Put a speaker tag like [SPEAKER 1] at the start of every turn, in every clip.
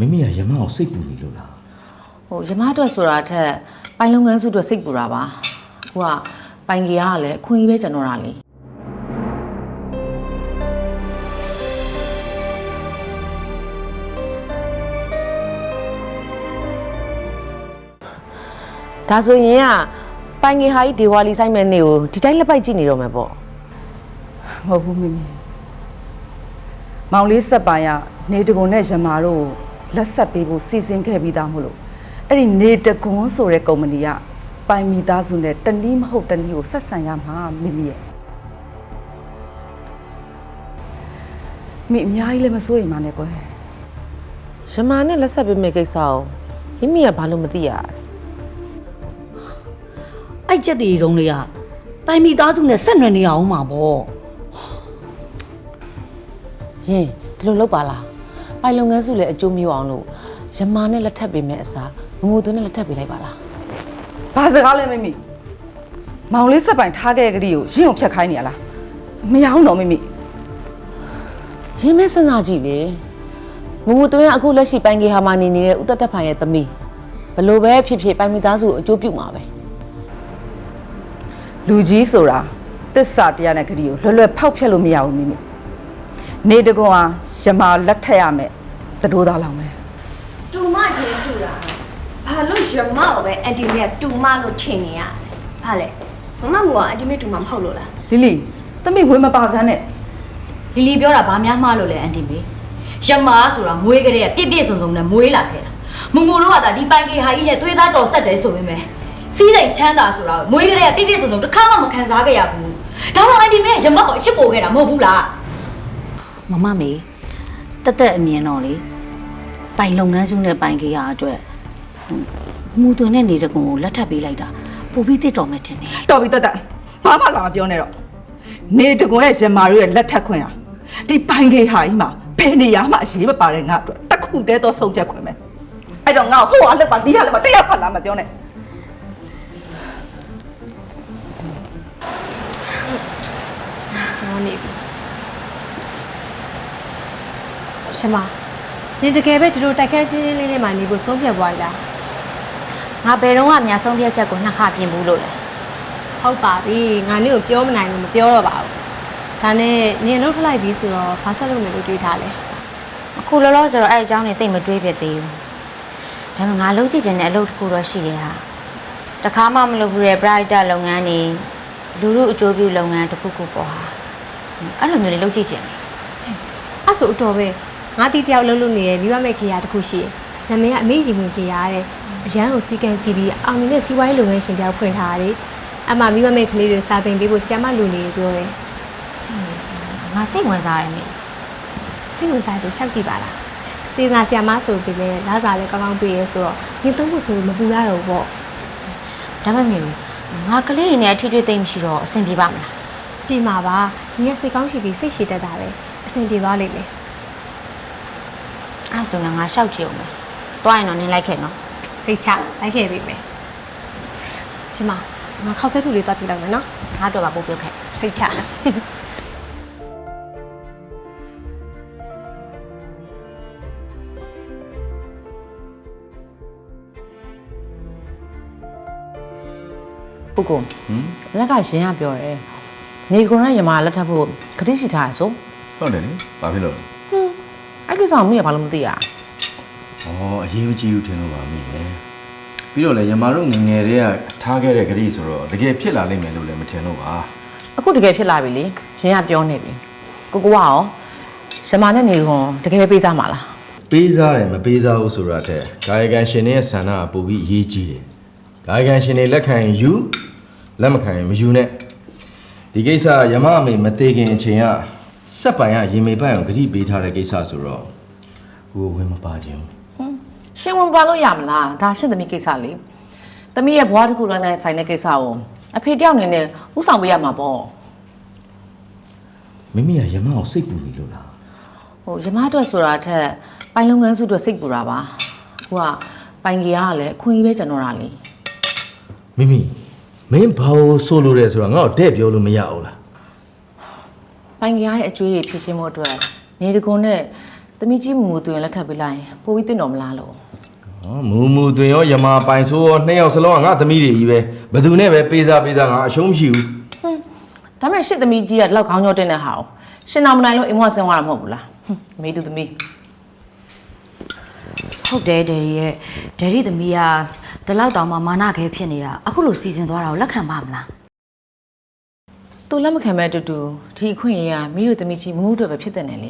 [SPEAKER 1] မိမိကရမအောင်စိတ်ပူနေလို့လား
[SPEAKER 2] ဟိုရမအတွက်ဆိုတာထက်ပိုင်လုပ်ငန်းစုအတွက်စိတ်ပူတာပါဟိုကပိုင်ကြီးကလည်းအခွင့်အရေးပဲကျွန်တော်တာလေဒါဆိုရင်ကပိုင်ကြီးဟာကြီးဒေဝါလီဆိုင်မဲ့နေကိုဒီတိုင်းလက်ပိုက်ကြည့်နေတော့မှာပေါ့
[SPEAKER 3] မဟုတ်ဘူးမိမိမောင်လေးဆက်ပိုင်ကနေတကွန်နဲ့ရမာတို့လက်ဆက်ပေးဖို့စီစဉ်ခဲ့ပြီးသားမို့လို့အဲ့ဒီနေတကွန်ဆိုတဲ့ကုမ္ပဏီကပိုင်မိသားစုနဲ့တနည်းမဟုတ်တနည်းကိုဆက်ဆံရမှာမိမိရဲ့မိအများကြီးလည်းမစိုးရိမ်ပါနဲ့ကွယ်
[SPEAKER 2] ရမာနဲ့လက်ဆက်ပေးမယ့်ကိစ္စကိုမိမိကဘာလို့မသိရ
[SPEAKER 4] အဲ့ချက်တွေတုံးလေးကပိုင်မိသားစုနဲ့ဆက်နွယ်နေအောင်မှာပေါ့
[SPEAKER 2] ရင်ဒီလိုလုပ်ပါလားပိုင်လုပ်ငန်းစုလည်းအကျိုးမျိုးအောင်လို့ရမာနဲ့လက်ထပ်ပေးမယ့်အစားမမိုးသွင်းနဲ့လက်ထပ်ပေးလိုက်ပါလား
[SPEAKER 3] ဘာစကားလဲမိမိမောင်လေးဆက်ပိုင်ထားခဲ့တဲ့ကလေးကိုရင့်အောင်ဖြတ်ခိုင်းနေရလားမရအောင်တော့မိမိ
[SPEAKER 2] ရင်းမဲစဉ်းစားကြည့်လေမမိုးသွင်းကအခုလက်ရှိပိုင်ကြီးဟာမှာနေနေတဲ့ဦးတက်တက်ဖိုင်ရဲ့သမီးဘလို့ပဲဖြစ်ဖြစ်ပိုင်မိသားစုကိုအကျိုးပြုမှာပဲ
[SPEAKER 3] လူကြီးဆိုတာတစ္ဆာတရားနဲ့ကလေးကိုလွယ်လွယ်ဖောက်ဖျက်လို့မရဘူးမိမိနေတကွန်ဟာရမာလက်ထက်ရမယ်တတိုးသားလောင်မယ်
[SPEAKER 5] တူမချင်းတူတာဘာလို့ရမကိုပဲအန်တီမေကတူမလို့ထင်နေရဘာလဲမမမို့ကအန်တီမေတူမမဟုတ်လို့လား
[SPEAKER 3] လီလီသမီးဝေးမပါစမ်းနဲ့
[SPEAKER 4] လီလီပြောတာဘာများမှားလို့လဲအန်တီမေရမားဆိုတာမွေးကလေးကပြည့်ပြည့်စုံစုံနဲ့မွေးလာခဲ့တာမူမူတို့ကဒါဒီပိုင်ကေဟာကြီးနဲ့သွေးသားတော်ဆက်တယ်ဆိုရင်ပဲစီးစိမ်ချမ်းသာဆိုတာမွေးကလေးကပြည့်ပြည့်စုံစုံတစ်ခါမှမခံစားခဲ့ရဘူးဒါတော့အန်တီမေကရမားကိုအချစ်ပို့ခဲ့တာမဟုတ်ဘူးလားမမမေတက်အမြင်တော့လေပိုင်လုပ်ငန်းစုနဲ့ပိုင်ကေရအတွက်မူသွင်းတဲ့နေတကွန်ကိုလက်ထပ်ပေးလိုက်တာပိုပြီးတစ်တော်မဲ့တင်တယ်
[SPEAKER 3] တော်ပြီတက်ဘာမှလာမပြောနဲ့တော့နေတကွန်ရဲ့ရမာတို့ရဲ့လက်ထက်ခွင့်ဟာဒီပိုင်ကေဟာကြီးမှာဘယ်နေရာမှအရေးမပါတဲ့ငါအတွက်တခုတည်းတော့ဆုံးဖြတ်ခွင့်ပဲအဲ့တော့ငါ့ကိုဟိုအားလက်ပါဒီဟာလက်ပါတရားဖတ်လာမပြောနဲ့
[SPEAKER 5] ရှင်မနင်တကယ်ပဲဒီလိုတိုက်ခန်းချင်းချင်းလေးလေးမှနေဖို့ဆုံးဖြတ်သွားရလား
[SPEAKER 6] ငါဘယ်တော့မှအများဆုံးဖြတ်ချက်ကိုနှစ်ခါပြင်ဘူးလို့လေ
[SPEAKER 5] ဟုတ်ပါပြီငါနင့်ကိုပြောမနိုင်လို့မပြောတော့ပါဘူးဒါနဲ့နင်လှုပ်ထလိုက်ပြီဆိုတော့ဘာဆက်လုပ်မယ်လို့တွေးထားလဲ
[SPEAKER 6] အခုလောလောဆယ်တော့အဲ့အကြောင်းတွေသိမတွေးဖြစ်သေးဘူးဒါပေမဲ့ငါလုပ်ကြည့်ချင်တဲ့အလုပ်တစ်ခုတော့ရှိတယ်ဟာတခါမှမလုပ်ဘူးတဲ့ brighter လုပ်ငန်းတွေလူလူအကျိုးပြုလုပ်ငန်းတစ်ခုခုပေါ့ဟာအဲ့လိုမျိုးတွေလုပ်ကြည့်ချင်တယ်
[SPEAKER 5] အဲ့ဆိုအတော်ပဲငါတီးတယောက်လှုပ်လို့နေတဲ့မိဘမဲ့ခေယာတစ်ခုရှိတယ်နာမည်ကအမေရင်ဝင်ခေယာတဲ့အရန်ကိုစီကံချီပြီးအောင်နေတဲ့စီးပွားရေးလုပ်ငန်းရှင်တယောက်ဖွင့်ထားတယ်အမှမိဘမဲ့ကလေးတွေစာသင်ပေးဖို့ဆရာမလူနေပြောတယ်
[SPEAKER 6] ငါစိတ်ဝင်စားတယ်မေ
[SPEAKER 5] စိတ်ဝင်စားဆိုရှောက်ကြည့်ပါလားစေနာဆရာမဆိုပြီးလဲလာစားလဲကောင်းကောင်းပေးရဲဆိုတော့ညသုံးဖို့ဆိုလို့မပူရတော့ဘူးပေါ့
[SPEAKER 6] ဒါမှမဟုတ်ငါကလေးတွေနဲ့အထွေထွေသိမ့်မရှိတော့အဆင်ပြေပါမလား
[SPEAKER 5] ပြင်ပါပါညီကစိတ်ကောင်းရှိပြီးစိတ်ရှည်တတ်တာပဲအဆင်ပြေသွားလိမ့်မယ်
[SPEAKER 6] အဲ့ဆိုရင်ငါရှောက်ကြည့်အောင်မယ်တွားရင်တော့နင်းလိုက်ခဲ့နော်
[SPEAKER 5] စိတ်ချလိုက်ခဲ့ပြီမယ်ရှင်မငါခောက်ဆက်ဖြူလေးတွားပြလိုက်မယ်နော်
[SPEAKER 6] ငါတော့ပါပို့ပြုတ်ခဲ့
[SPEAKER 5] စိတ်ချ
[SPEAKER 2] ပုဂ္ဂိုလ်လက်ကရင်ကပြောတယ်နေကွန်နဲ့ရမာလက်ထပ်ဖို့ခတိရှိထားရဆို
[SPEAKER 1] ဟုတ်တယ်လေဘာဖြစ်လို့
[SPEAKER 2] အဲ့ကိစ္စကိုမိရဘာလို့မသိရ
[SPEAKER 1] ဩအရေးမကြီးဘူးထင်လို့ပါမိရဲ့ပြီးတော့လေရမာတို့ငငယ်တွေကထားခဲ့တဲ့ခရီးဆိုတော့တကယ်ဖြစ်လာလိမ့်မယ်လို့လည်းမထင်တော့ပါ
[SPEAKER 2] အခုတကယ်ဖြစ်လာပြီလေရင်ကပြောနေပြီကိုကရောရမာနဲ့နေကွန်တကယ်ပေးစားမှာလား
[SPEAKER 1] ပေးစားတယ်မပေးစားဘူးဆိုတာတဲ့ကာယကံရှင်တွေရဲ့ဆန္ဒကပိုပြီးအရေးကြီးတယ်ကာယကံရှင်တွေလက်ခံရင်ယူလက်မခံရင်မယူနဲ့ဒီကိစ္စရမအမေမသေးခင်အချိန်ကစက်ပိုင်ကရေမေပိုင်အောင်ဂတိပေးထားတဲ့ကိစ္စဆိုတော့ကိုဝင်မပါခြင်း
[SPEAKER 2] ရှင်ဝင်ပါလို့ရမလားဒါရှင့်သမီးကိစ္စလေသမီးရဲ့ဘွားတစ်ခုလုံးနဲ့ဆိုင်တဲ့ကိစ္စကိုအဖေတယောက်အနေနဲ့ဥဆောင်ပေးရမှာပေါ့
[SPEAKER 1] မိမိကရမအောင်စိတ်ပူနေလို့လား
[SPEAKER 2] ဟိုရမအတွက်ဆိုတာထက်ပိုင်လုပ်ငန်းစုအတွက်စိတ်ပူတာပါဟိုကပိုင်ကြီးကလည်းအခွင့်အရေးပဲကျွန်တော်တာလေ
[SPEAKER 1] မိမိမင်းဘာလို့ဆိုလို့လဲဆိုတော့ငါ့ကိုတဲ့ပြောလို့မရဘူးလား
[SPEAKER 2] ပိုင်ကြီးရဲ့အကျွေးတွေဖြည့်ရှင်းဖို့အတွက်နေတကွန်နဲ့သမီးကြီးမူတွင်လက်ထပ်ပေးလိုက်ရင်ပိုပြီးတင်တော်မလားလို့
[SPEAKER 1] မူတွင်ရောယမပိုင်ဆိုးရောနှစ်ယောက်စလုံးကငါသမီးတွေကြီးပဲဘယ်သူနဲ့ပဲပေးစားငါအရှုံးမရှိဘူး
[SPEAKER 2] ဒါမဲ့ရှစ်သမီးကြီးကလောက်ခေါင်းကြောတင်တဲ့ဟာကိုရှင်တော်မနိုင်လို့အိမ်မဆင်းသွားတာမဟုတ်ဘူးလားမေးသူသမီး
[SPEAKER 4] ဟုတ်တယ်ဒယ်ရီရဲ့ဒယ်ရီသမီးကဒီလောက်တောင်မှမာနခဲဖြစ်နေတာအခုလိုစီစဉ်သွားတာကိုလက်ခံပါမလား
[SPEAKER 2] သူလက်မခံမဲ့အတူတူဒီအခွင့်အရေးကမိတို့သမီးကြီးမမှုတော့ပဲဖြစ်တဲ့နယ်လေ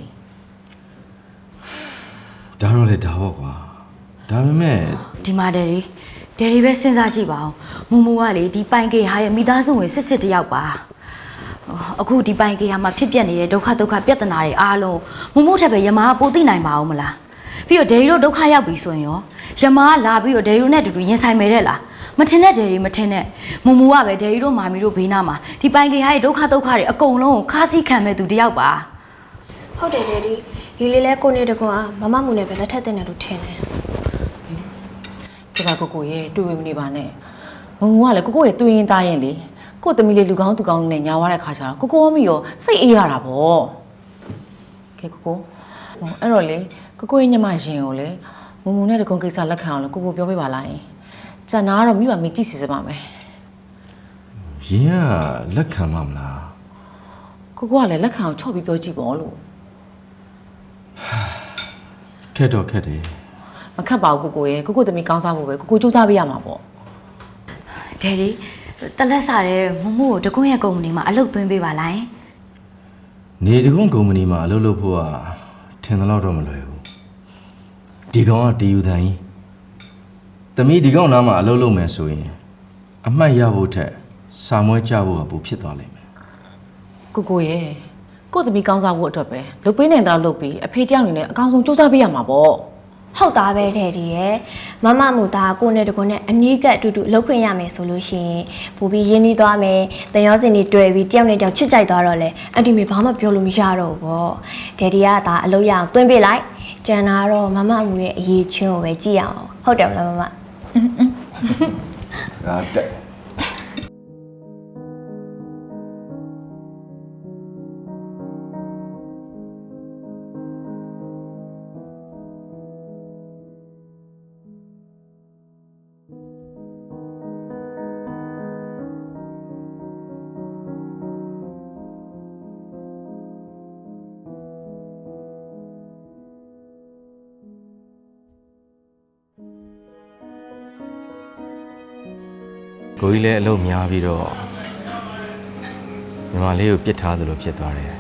[SPEAKER 1] ဒါတော့လေဒါပေါ့ကွာဒါပေမဲ့
[SPEAKER 4] ဒီမှာဒယ်ရီပဲစဉ်းစားကြည့်ပါဦးမူကလေဒီပိုင်ကေဟာရဲ့မိသားစုဝင်စစ်တယောက်ပါအခုဒီပိုင်ကေဟာမှာဖြစ်ပျက်နေတဲ့ဒုက္ခပြဿနာတွေအားလုံးမထက်ပဲယမားပိုသိနိုင်ပါဦးမလားပြီးတော့ဒယ်ရီတို့ဒုက္ခရောက်ပြီဆိုရင်ရောယမားလာပြီးတော့ဒယ်ရီတို့နဲ့အတူတူရင်ဆိုင်မယ်တဲ့လားမထင်တဲ့ဒယ်ရီမထင်တဲ့မူကပဲဒယ်ရီတို့မာမီတို့ဘေးနားမှာဒီပိုင်ကေဟာရဲ့ဒုက္ခတွေအကုန်လုံးကိုခါးစည်းခံမဲ့သူတယောက်ပါ
[SPEAKER 5] ဟုတ်တယ်ဒယ်ဒီဒီလေးလဲကိုနေတကွာမမမှုနဲ့ပဲလက်ထပ်တဲ့နယ်လို့ထင်တယ်
[SPEAKER 2] ဒီကကိုရဲ့တွေ့ဝင်မနေပါနဲ့မမှုကလည်းကိုရဲ့တွေ့ရင်သားရင်လေကိုသမီးလေးလူကောင်းသူကောင်းနဲ့ညာသွားတဲ့ခါကျတော့ကိုမီရောစိတ်အေးရတာပေါ့ကဲကိုအဲ့တော့လေကိုရဲ့ညမရင်ကိုလေမမှုနဲ့တကုံကိစ္စလက်ခံအောင်လို့ကိုပြောပေးပါလားကျန်တာကတော့မိဘမိကြည့်စီစပါမယ်
[SPEAKER 1] ရင်ကလက်ခံမှာမလား
[SPEAKER 2] ကိုကလည်းလက်ခံအောင်ချော့ပြီးပြောကြည့်ပေါ့လို့
[SPEAKER 1] ခက်တော့ခက်တယ်
[SPEAKER 2] မခတ်ပါဘူးကိုရဲ့ကိုသမီးကောင်းစားဖို့ပဲကိုစူးစမ်းပေးရမှာပေါ့
[SPEAKER 4] ဒယ်ရီတလက်စားတဲ့မမှုကိုတကွန်းရဲ့ကုမ္ပဏီမှာအလုပ်သွင်းပေးပါလား
[SPEAKER 1] နေတကုန်းကုမ္ပဏီမှာအလုပ်လုပ်ဖို့ကထင်တယ်လို့တော့မလွယ်ဘူးဒီကောင်ကတီယူတန်ကြီးသမီးဒီကောင်နားမှာအလုပ်လုပ်မယ်ဆိုရင်အမှတ်ရဖို့ထက်စာမွဲကြဖို့ကပိုဖြစ်သွားလိမ့်မယ်
[SPEAKER 2] ကိုရဲ့ကိုသမီးကောင်းစားဖို့အတွက်ပဲလုပ်ပေးနေတာလုပ်ပြီးအဖေတယောက်အနေနဲ့အကောင်းဆုံးစူးစမ်းပေးရမှာပေါ့
[SPEAKER 5] ဟုတ်သားပဲတဲ့ဒီရဲ့မမမှုသားကိုနဲ့တကွနဲ့အနီးကပ်အတူတူလှုပ်ခွင့်ရမယ်ဆိုလို့ရှိရင်ပိုပြီးရင်းနှီးသွားမယ်တန်ရောစင်တွေတွေ့ပြီးတယောက်နဲ့တယောက်ချစ်ကြိုက်သွားတော့လေအန်တီမေဘာမှပြောလို့မရတော့ဘူးပေါ့ဒယ်ဒီကဒါအလုပ်ရအောင်တွင်းပေးလိုက်ကျန်တာတော့မမမှုရဲ့အရေးချင်းကိုပဲကြည့်ရအောင်ဟုတ်တယ်မလားမမ
[SPEAKER 1] ဒါတက် ကိုကြီးလည်းအလုပ်များပြီးတော့ညီမလေးကိုပြစ်ထားသလိုဖြစ်သွားတယ်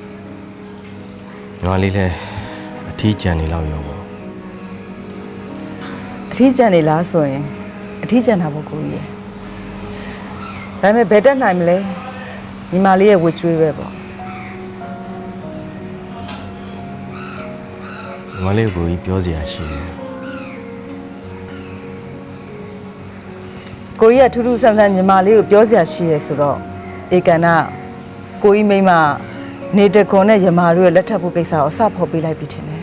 [SPEAKER 1] ညီမလေးလည်းအထီးကျန်နေလောက်ရောပေါ့
[SPEAKER 3] အထီးကျန်နေလားဆိုရင်အထီးကျန်တာပေါ့ကိုကြီးရယ်ဒါပေမဲ့ဘယ်တက်နိုင်မလဲညီမလေးရဲ့ဝှကျွေးပဲပေါ့
[SPEAKER 1] ညီမလေးကိုကြီးပြောစရာရှိတယ်
[SPEAKER 3] ကိုကြီးကထူးထူးဆန်းဆန်းညီမလေးကိုပြောစရာရှိရဲဆိုတော့ဧကန်ကကိုကြီးမိမနေတကွန်နဲ့ယမာတို့ရဲ့လက်ထပ်ဖို့ကိစ္စကိုအစဖော်ပေးလိုက်ပြီထင်တယ်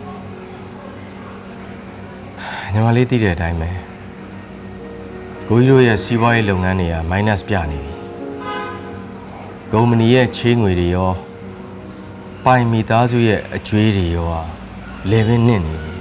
[SPEAKER 1] ညီမလေးသိတဲ့အတိုင်းပဲကိုကြီးတို့ရဲ့စီးပွားရေးလုပ်ငန်းတွေက minus ပြနေပြီကုမ္ပဏီရဲ့ချေးငွေတွေရောပိုင်မိသားစုရဲ့အကျွေးတွေရောလေဘင်းနစ်နေပြီ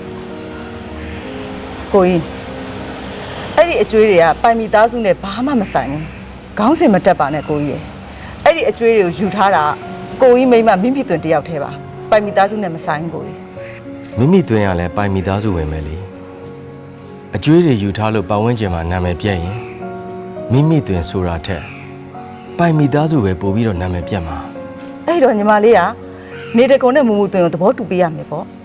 [SPEAKER 3] ကိုကြီးအဲ့ဒီအကျွေးတွေကပိုင်မီသားစုနဲ့ဘာမှမဆိုင်ဘူးခေါင်းစင်မတက်ပါနဲ့ကိုကြီးရယ်အဲ့ဒီအကျွေးတွေကိုယူထားတာကိုကြီးမိမမိမိသွင်တယောက်တည်းပါပိုင်မီသားစုနဲ့မဆိုင်ဘူးကိုကြီး
[SPEAKER 1] မိမိသွင်းရလဲပိုင်မိသားစုဝင်မယ်လေအကျွေးတွေယူထားလို့ပတ်ဝန်းကျင်မှာနာမည်ပြက်ရင်မိမိသွင်းဆိုတာထက်ပိုင်မိသားစုပဲပို့ပြီးတော့နာမည်ပြက်မှာ
[SPEAKER 3] အဲ့တော့ညီမလေးကနေတကွန်နဲ့မူမူသွင်ကိုသဘောတူပေးရမယ်ပေါ့